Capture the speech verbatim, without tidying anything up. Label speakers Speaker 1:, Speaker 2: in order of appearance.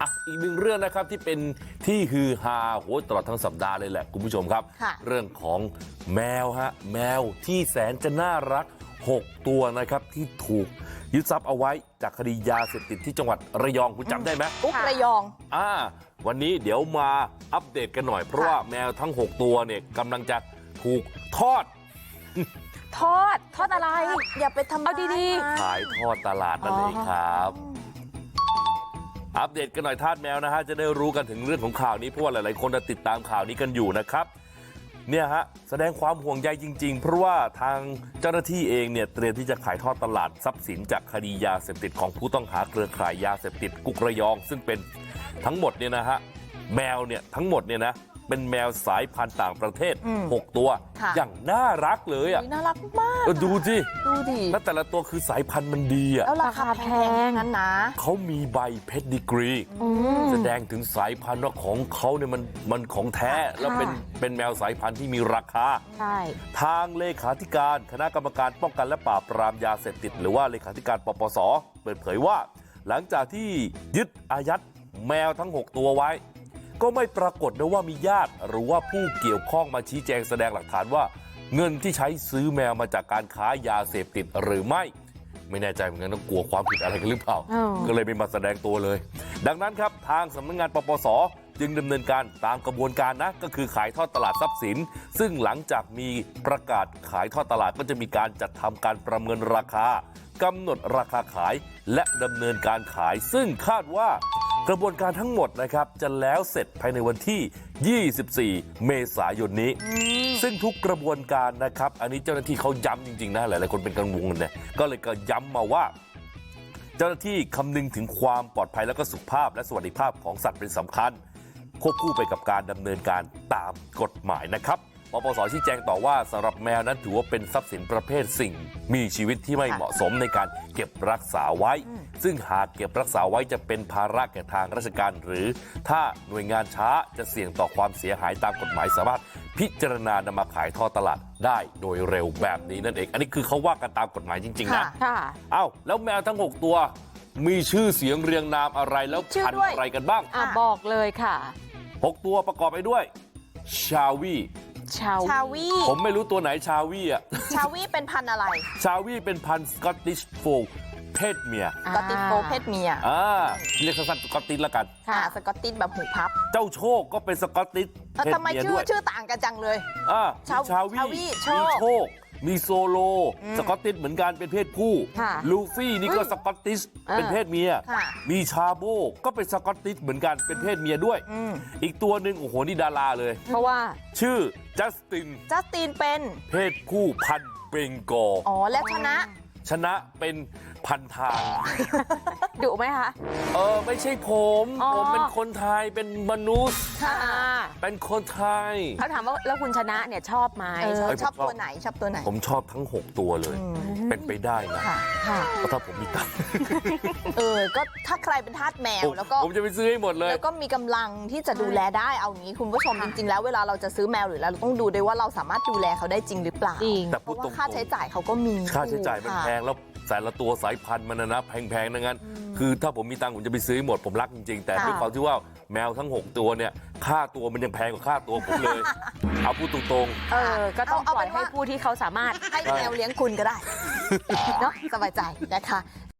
Speaker 1: อ่ะอีกหนึ่งเรื่องนะครับที่เป็นที่ฮือฮาโหตลอดทั้งสัปดาห์เลยแหละคุณผู้ชมครับเรื่องของแมวฮะแมวที่แสนจะน่ารักหกตัวนะครับที่ถูกยึดทรัพย์เอาไว้จากคดียาเสพติดที่จังหวัดระยองคุณจำได้ไหม
Speaker 2: อุ๊กระยอง
Speaker 1: อ่าวันนี้เดี๋ยวมาอัปเดตกันหน่อยเพราะว่าแมวทั้งหกตัวเนี่ยกำลังจะถูกทอด
Speaker 2: ทอดทอดอะไรอย่าไปทำเอาดี
Speaker 1: ๆขายทอดตลาดนั่นเองครับอัปเดตกันหน่อยทาสแมวนะฮะจะได้รู้กันถึงเรื่องของข่าวนี้เพราะว่าหลายๆคนติดตามข่าวนี้กันอยู่นะครับเนี่ยฮะแสดงความห่วงใยจริงๆเพราะว่าทางเจ้าหน้าที่เองเนี่ยเตรียมที่จะขายทอดตลาดทรัพย์สินจากคดียาเสพติดของผู้ต้องหาเครือข่ายยาเสพติดกุกระยองซึ่งเป็นทั้งหมดเนี่ยนะฮะแมวเนี่ยทั้งหมดเนี่ยนะเป็นแมวสายพันธุ์ต่างประเทศหกตัวอย่างน่ารักเลยอ่ะ
Speaker 2: น่ารักมาก
Speaker 1: ดูสิ
Speaker 2: ดูดิ
Speaker 1: แล้วแต่ละตัวคือสายพันธุ์มันดีอ่ะ
Speaker 2: แล้วราคาแพงนั้นนะ
Speaker 1: เขามีใบเพชรดีกรีแสดงถึงสายพันธุ์ว่าของเขาเนี่ยมันมันของแท้แล้วเป็นเป็นแมวสายพันธุ์ที่มีราคา
Speaker 2: ใช่
Speaker 1: ทางเลขาธิการคณะกรรมการป้องกันและปราบปรามยาเสพติดหรือว่าเลขาธิการปปส.เปิดเผยว่าหลังจากที่ยึดอายัดแมวทั้งหกตัวไว้ก็ไม่ปรากฏนะว่ามีญาติหรือว่าผู้เกี่ยวข้องมาชี้แจงแสดงหลักฐานว่าเงินที่ใช้ซื้อแมวมาจากการค้ายาเสพติดหรือไม่ไม่แน่ใจเหมือนกันต้องกลัวความผิดอะไรกันหรือเปล่าก็เลยไม่มาแสดงตัวเลยดังนั้นครับทางสำนักงานปปส.จึงดำเนินการตามกระบวนการนะก็คือขายทอดตลาดทรัพย์สินซึ่งหลังจากมีประกาศขายทอดตลาดก็จะมีการจัดทำการประเมินราคากำหนดราคาขายและดำเนินการขายซึ่งคาดว่ากระบวนการทั้งหมดนะครับจะแล้วเสร็จภายในวันที่ยี่สิบสี่เมษายนนี้ซึ่งทุกกระบวนการนะครับอันนี้เจ้าหน้าที่เขาย้ำจริงๆนะหลายๆคนเป็นกังวลเนี่ยก็เลยก็ย้ำมาว่าเจ้าหน้าที่คำนึงถึงความปลอดภัยและก็สุขภาพและสวัสดิภาพของสัตว์เป็นสำคัญควบคู่ไปกับการดำเนินการตามกฎหมายนะครับปปส.ชี้แจงต่อว่าสำหรับแมวนั้นถือว่าเป็นทรัพย์สินประเภทสิ่งมีชีวิตที่ไม่เหมาะสมในการเก็บรักษาไว้ซึ่งหากเก็บรักษาไว้จะเป็นภาระแก่ทางราชการหรือถ้าหน่วยงานช้าจะเสี่ยงต่อความเสียหายตามกฎหมายสามารถพิจารณานำมาขายทอดตลาดได้โดยเร็วแบบนี้นั่นเองอันนี้คือเขาว่ากันตามกฎหมายจริงๆนะเอ้าแล้วแมวทั้งหกตัวมีชื่อเสียงเรียงนามอะไรแล้วพันธุ์อะไรกันบ้าง
Speaker 2: อ่ะบอกเลยค่ะ
Speaker 1: หกตัวประกอบไปด้วยชาวี
Speaker 2: ชาวี
Speaker 1: ผมไม่รู้ตัวไหนชาวีอ่ะ
Speaker 2: ชาวีเป็นพันธุ์อะไร
Speaker 1: ชาวีเป็นพันธุ์สกอตติชโฟลด์เพศเมีย
Speaker 2: สกอตติชโฟลด์เพศเมีย
Speaker 1: อ่าเรียกสั้นๆสกอตติชละกัน
Speaker 2: ค่ะสกอตติชแบบหูพับ
Speaker 1: เจ้าโชคก็เป็นสกอตติชเพศเมียด้วย
Speaker 2: ทำไมชื่อชื่อต่างกันจังเลย
Speaker 1: อ่าชาวีมีโชคมีโซโลสกอตติชเหมือนกันเป็นเพศผู้ลูฟี่นี่ก็สกอตติชเป็นเพศเมียมีชาโบก็เป็นสกอตติชเหมือนกันเป็นเพศเมียด้วยอีกตัวหนึ่งโอ้โหนี่ดาราเลย
Speaker 2: เพราะว่า
Speaker 1: ชื่อจัสติน
Speaker 2: จัสตินเป็น
Speaker 1: เพศผู้พันธุ์เบงกอล
Speaker 2: อ๋อแล้วชนะ
Speaker 1: ชนะเป็นพันทาง
Speaker 2: ดุไหมคะ
Speaker 1: เออไม่ใช่ผมผมเป็นคนไทยเป็นมนุษย์เป็นคนไทย
Speaker 2: เขาถามว่าแล้วคุณชนะเนี่ยชอบไหมชอบตัวไหนชอบตัวไหน
Speaker 1: ผมชอบทั้งหกตัวเลยเป็นไปได้นะเพราะถ้าผมมีตังค์
Speaker 2: เออก็ถ้าใครเป็นทาสแมวแล้วก็
Speaker 1: ผมจะไปซื้อให้หมดเลย
Speaker 2: แล้วก็มีกำลังที่จะดูแลได้เอางี้คุณผู้ชมจริงๆแล้วเวลาเราจะซื้อแมวหรือเราต้องดูด้วยว่าเราสามารถดูแลเขาได้จริงหรือเปล่า
Speaker 1: แต่
Speaker 2: เพราะว่าค่าใช้จ่ายเขาก็มี
Speaker 1: ค่าใช้จ่ายมันแพงแล้วแต่ละตัวสายพันธุ์มันนะแพงๆดังนั้นคือถ้าผมมีตังค์ผมจะไปซื้อหมดผมรักจริงๆแต่ด้วยความที่ว่าแมวทั้งหกตัวเนี่ยค่าตัวมันยังแพงกว่าค่าตัวผมเลยเอาพูดตรง
Speaker 2: ๆเออก็ต้องปล่อยให้ผู้ที่เขาสามารถให้แมวเลี้ยงคุณก็ได้เนาะสบายใจนะคะ